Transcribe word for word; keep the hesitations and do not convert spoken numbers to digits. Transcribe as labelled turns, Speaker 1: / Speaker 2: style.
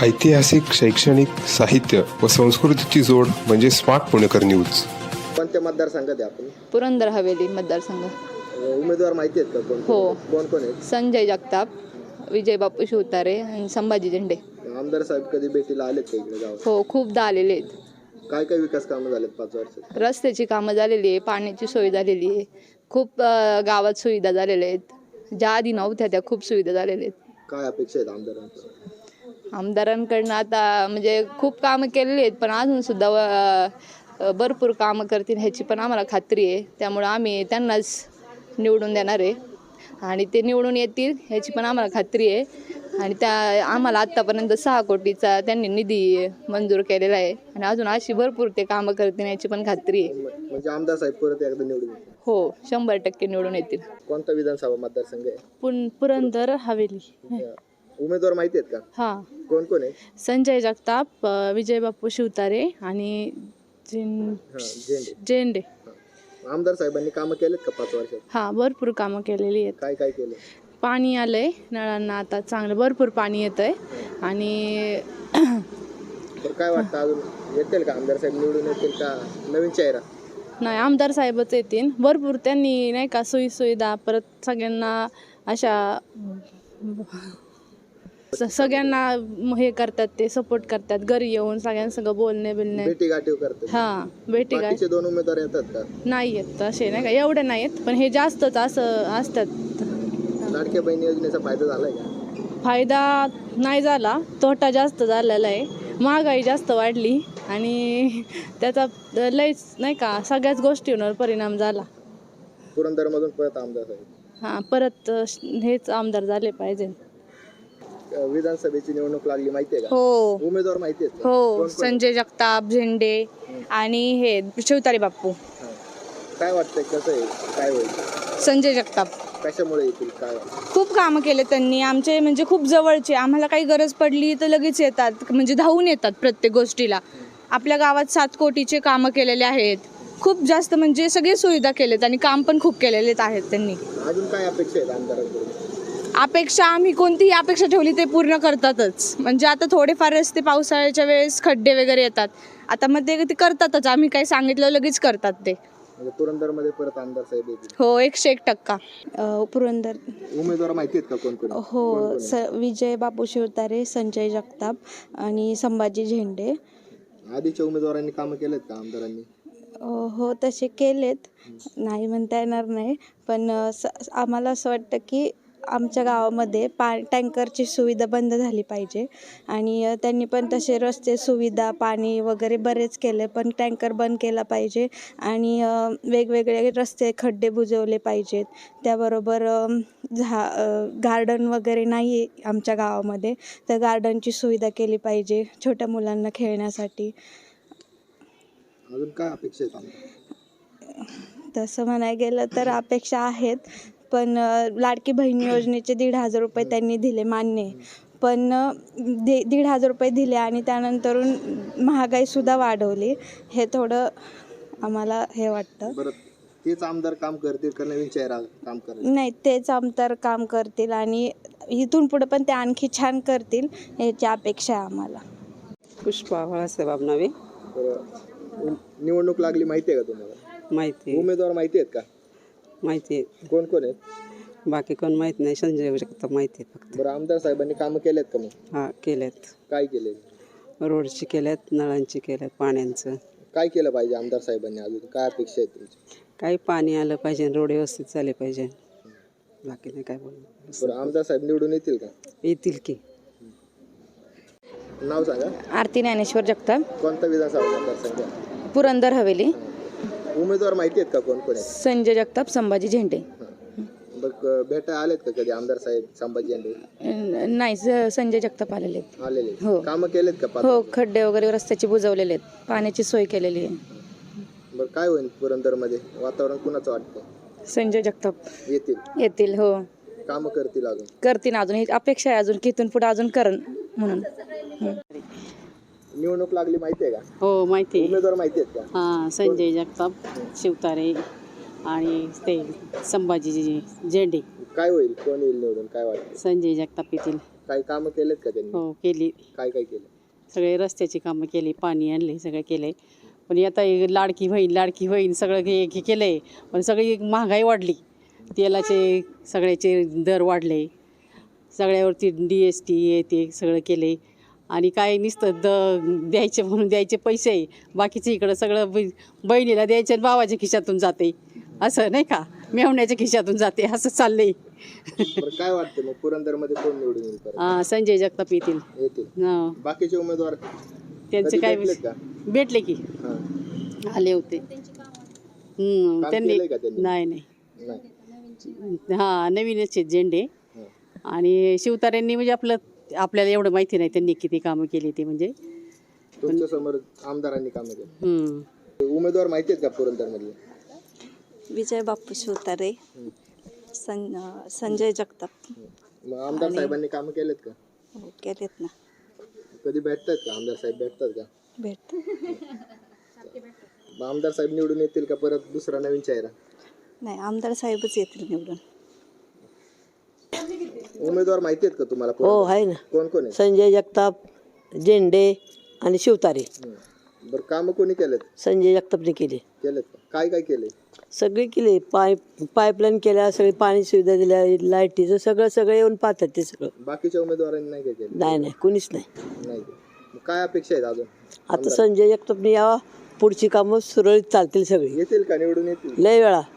Speaker 1: ऐतिहासिक, शैक्षणिक, साहित्य व संस्कृतीची जोड म्हणजे स्मार्ट पुणेकर न्यूज.
Speaker 2: कोणत्या मतदारसंघात आहे आपण?
Speaker 3: पुरंदर हवेली मतदारसंघ.
Speaker 2: उमेदवार माहिती आहेत का कोण?
Speaker 3: हो.
Speaker 2: कोण कोण आहेत?
Speaker 3: संजय जगताप, विजय बापू शिवतारे आणि संभाजी झेंडे.
Speaker 2: आमदार साहेब कधी भेटीला आलेत का इकडे गावात?
Speaker 3: हो, खूपदा आलेले आहेत.
Speaker 2: काय काय विकास कामं झालेत पाच वर्षात?
Speaker 3: रस्त्याची कामं झालेली आहे, पाण्याची सोय झालेली आहे, खूप अ, गावात सुविधा झालेल्या आहेत. ज्या आधी नव्हत्या त्या खूप सुविधा झालेल्या आहेत.
Speaker 2: काय अपेक्षा आहेत आमदारांच्या?
Speaker 3: आमदारांकडनं आता म्हणजे खूप कामं केलेली आहेत, पण अजून सुद्धा अ, भरपूर कामं करतील ह्याची पण आम्हाला खात्री आहे. त्यामुळं आम्ही त्यांनाच निवडून देणार आहे आणि ते निवडून येतील ह्याची पण आम्हाला खात्री आहे. आणि त्या आम्हाला आत्तापर्यंत सहा कोटीचा त्यांनी निधी मंजूर केलेला आहे आणि अजून अशी भरपूर ते कामं करतील याची पण खात्री आहे.
Speaker 2: म्हणजे आमदार साहेब परत एकदा निवडून येतील?
Speaker 3: हो, शंभर टक्के निवडून येतील.
Speaker 2: कोणता विधानसभा मतदारसंघ आहे?
Speaker 3: पुन पुरंदर हवेली.
Speaker 2: उमेदवार माहिती आहेत का?
Speaker 3: हां,
Speaker 2: कोण कोण आहे?
Speaker 3: संजय जगताप, विजय बापू शिवतारे आणि झें-
Speaker 2: हा, झेंडे.
Speaker 3: झेंडे.
Speaker 2: आमदार साहेबांनी कामं केलेत का पाच वर्षात?
Speaker 3: हां, भरपूर कामं केलेली आहेत.
Speaker 2: काय काय केलं?
Speaker 3: पाणी आलंय नळांना, आता चांगलं भरपूर पाणी येत आहे. आणि
Speaker 2: तर काय वाटतं अजून येतील का आमदार साहेब निवडून येतील का नवीन चेहरा?
Speaker 3: नाही, आमदार साहेबच येतील. भरपूर त्यांनी नाही का सोयी सुविधा, परत सगळ्यांना अशा स- सगळ्यांना हे करतात, ते सपोर्ट करतात. घरी येऊन सगळ्यांसंग बोलणे बिलणे.
Speaker 2: भेटी गाठीव करतात.
Speaker 3: हां, भेटी गाठ
Speaker 2: बाकीचे दोन उमेदवार येतात का?
Speaker 3: नाही येत तसे, नाही का एवढे नाही येत, पण हे जास्तच असं असतात.
Speaker 2: लाडक्या बहिणी योजनेचा फायदा झालाय का?
Speaker 3: फायदा नाही झाला, तोटा जास्त झालेला आहे. महागाई जास्त वाढली आणि त्याचा लयच नाही का सगळ्याच गोष्टींवर परिणाम झाला.
Speaker 2: पुरंदरमधून परत आमदार साहेब.
Speaker 3: हां, परत हेच आमदार झाले पाहिजे.
Speaker 2: अ, विधानसभेची निवडणूक लागली माहिती आहे का?
Speaker 3: हो
Speaker 2: उमेदवार माहिती आहेत का?
Speaker 3: हो,
Speaker 2: कोण कोण?
Speaker 3: संजय जगताप, झेंडे आणि हे शिवतारे बापू.
Speaker 2: हा. काय वाटतंय कसं आहे काय होईल?
Speaker 3: संजय जगताप
Speaker 2: कशामुळे येतील काय वाटतं?
Speaker 3: खूप कामं केले त्यांनी आमचे, म्हणजे खूप जवळचे. आम्हाला काही गरज पडली तर लगेच येतात, म्हणजे धावून येतात प्रत्येक गोष्टीला. आपल्या गावात सात कोटीचे कामं केलेले आहेत. खूप जास्त म्हणजे सगळे सुविधा केलेत आणि काम पण खूप केलेले आहेत त्यांनी.
Speaker 2: अजून काय अपेक्षा आहेत आमदारांकडून?
Speaker 3: अपेक्षा आम्ही कोणतीही अपेक्षा ठेवली ते पूर्ण करतातच. म्हणजे आता थोडेफार रस्ते पावसाळ्याच्या वेळेस खड्डे वगैरे येतात, आता मध्ये ते करतातच. आम्ही काही सांगितलं लगेच करतात ते.
Speaker 2: म्हणजे पुरंदरमध्ये परत आमदार साहेब येतील?
Speaker 3: हो, एकशे एक टक्का. पुरंदर
Speaker 2: उमेदवार माहिती आहेत का कोण कोण?
Speaker 4: हो, स विजय बापू शिवतारे, संजय जगताप आणि संभाजी झेंडे.
Speaker 2: आधीच्या उमेदवारांनी कामं केलेत का आमदारांनी?
Speaker 4: हो, तसे केलेत, नाही म्हणता येणार नाही. पण स आम्हाला असं वाटतं की आमच्या गावामध्ये पा टँकरची सुविधा बंद झाली पाहिजे आणि त्यांनी पण तसे रस्ते सुविधा, पाणी वगैरे बरेच केले, पण टँकर बंद केला पाहिजे आणि वेगवेगळे रस्ते खड्डे बुजवले पाहिजेत. त्याबरोबर झा गार्डन वगैरे नाही आहे आमच्या गावामध्ये, तर गार्डनची सुविधा केली पाहिजे छोट्या मुलांना खेळण्यासाठी.
Speaker 2: अजून काय अपेक्षा आहेत आमदार?
Speaker 4: तसं म्हणायला गेलं तर अपेक्षा आहेत, पण लाडकी बहीण योजनेचे दीड हजार रुपये त्यांनी दिले, मान्य आहे. पण दे दीड हजार रुपये दिले आणि त्यानंतरून महागाईसुद्धा वाढवली. हे थोडं आम्हाला हे वाटतं.
Speaker 2: बरं, तेच आमदार काम करतील का नवीन चेहरा काम करेल?
Speaker 4: नाही, तेच आमदार काम करतील आणि इथून पुढे पण ते आणखी छान करतील याची अपेक्षा आहे आम्हाला.
Speaker 5: पुष्पा बाळासाहेब नावे.
Speaker 2: बरं, निवडणूक लागली माहिती आहे का तुम्हाला?
Speaker 5: माहिती
Speaker 2: उमेदवार माहिती आहेत का?
Speaker 5: माहिती आहे.
Speaker 2: कोण कोण आहेत?
Speaker 5: बाकी कोण माहीत नाही, संजय जगताप माहिती आहे फक्त.
Speaker 2: बरं, आमदार साहेबांनी कामं केलेत का मग?
Speaker 5: हां, केल्यात.
Speaker 2: काय केले?
Speaker 5: रोडची केल्यात, नळांची केल्यात, पाण्याचं.
Speaker 2: काय केलं पाहिजे आमदार साहेबांनी? अजून काय अपेक्षा आहेत तुमची?
Speaker 5: काही पाणी आलं पाहिजे, रोड व्यवस्थित झाले पाहिजे, बाकी नाही काय बोलू.
Speaker 2: बरं, आमदार साहेब निवडून येतील का?
Speaker 5: येतील की.
Speaker 2: नाव सांगा.
Speaker 3: आरती ज्ञानेश्वर जगताप,
Speaker 2: कोणता विधानसभा मतदारसंघ?
Speaker 3: पुरंदर हवेली.
Speaker 2: उमेदवार माहिती आहेत का कोण कोण आहेत?
Speaker 3: संजय जगताप, संभाजी झेंडे.
Speaker 2: बरं, भेटा आलेत का कधी आमदार साहेब संभाजी झेंडे?
Speaker 3: नाही, संजय जगताप आलेले आहेत.
Speaker 2: आलेले?
Speaker 3: हो.
Speaker 2: कामं केलेत का पाच
Speaker 3: हो,
Speaker 2: वर्षात?
Speaker 3: खड्डे वगैरे रस्त्याची बुजवलेले आहेत, पाण्याची सोय केलेली आहे.
Speaker 2: बरं, काय होईल पुरंदरमध्ये वातावरण कुणाचं वाटतं?
Speaker 3: संजय जगताप
Speaker 2: येतील?
Speaker 3: येतील. हो,
Speaker 2: कामं करतील अजून?
Speaker 3: करतील अजून, ही अपेक्षा आहे अजून की इथून पुढे अजून करण म्हणून.
Speaker 2: निवडणूक लागली माहिती आहे का?
Speaker 5: हो, माहिती आहे.
Speaker 2: उमेदवार माहिती आहेत का?
Speaker 5: हां, संजय जगताप, शिवतारे आणि ते संभाजी झेंडे.
Speaker 2: काय होईल, कोण येईल निवडून काय वाटतं?
Speaker 5: संजय जगताप येतील.
Speaker 2: काही कामं केलेत का त्यांनी?
Speaker 6: हो केली.
Speaker 2: काय काय केलं?
Speaker 6: सगळे रस्त्याची कामं केली, पाणी आणले, सगळं केलं आहे. पण आता हे लाडकी बहीण लाडकी बहीण सगळं हे हे केलं आहे. पण सगळी महागाई वाढली, तेलाचे सगळ्याचे दर वाढले, सगळ्यावरती डी एस टी हे ते सगळं केलं आहे. आणि काय नुसतं द द्यायचे म्हणून द्यायचे पैसे, बाकीचं इकडं सगळं ब बहिणीला द्यायचे आणि भावाच्या खिशातून जाते, असं नाही का, मेवण्याच्या खिशातून जाते, असं चाललंय.
Speaker 2: बरं काय वाटतं मग पुरंदरमध्ये कोण निवडून येईल परत?
Speaker 6: हां, संजय जगताप येतील.
Speaker 2: येतील.
Speaker 6: हां,
Speaker 2: बाकीचे उमेदवार
Speaker 6: त्यांचे
Speaker 2: कधी
Speaker 6: काय
Speaker 2: भेटलेत का?
Speaker 6: भेटले की
Speaker 2: हां.
Speaker 6: आले होते. हम्म,
Speaker 2: काम
Speaker 6: त्यांनी
Speaker 2: केलंय का त्यांनी?
Speaker 6: नाही नाही
Speaker 2: नाही.
Speaker 6: हां, नवीनच आहेत झेंडे.
Speaker 2: हां.
Speaker 6: आणि शिवतारेंनी म्हणजे आपलं आपल्याला एवढं माहिती नाही त्यांनी किती कामं केली ते म्हणजे.
Speaker 2: तुमच्या समोर आमदारांनी कामं केली.
Speaker 6: हम्म.
Speaker 2: उमेदवार माहिती आहेत का पुरंदरमधले?
Speaker 4: विजय बापू शिवतारे, सं संजय जगताप.
Speaker 2: मग आमदार साहेबांनी कामं केलेत का?
Speaker 4: हो केलेत ना.
Speaker 2: कधी भेटतात का आमदार साहेब? भेटतात का?
Speaker 4: भेट
Speaker 2: मग आमदार साहेब निवडून येतील का परत दुसरा नवीन चेहरा?
Speaker 4: नाही, आमदार साहेबच येतील निवडून.
Speaker 2: उमेदवार माहिती आहेत का तुम्हाला?
Speaker 7: हो आहे ना,
Speaker 2: कोण कोण आहे?
Speaker 7: संजय जगताप, झेंडे आणि शिवतारे.
Speaker 2: हं. बरं कामं कोणी केलेत?
Speaker 7: संजय जगतापने केले,
Speaker 2: केलेत का? काय काय केलंय?
Speaker 7: सगळे केले. पाईप पाईपलाईन केल्या, सगळी पाणी सुविधा दिल्या, लाईटीचं सगळं सगळं येऊन पाहतात ते सगळं.
Speaker 2: बाकीच्या उमेदवारांनी नाही काय केलं?
Speaker 7: नाही नाही कुणीच नाही.
Speaker 2: नाही का? मग काय अपेक्षा आहेत अजून?
Speaker 7: आता संजय जगतापने यावा, पुढची कामं सुरळीत चालतील सगळी.
Speaker 2: येतील का? निवडून येतील?
Speaker 7: लय वेळा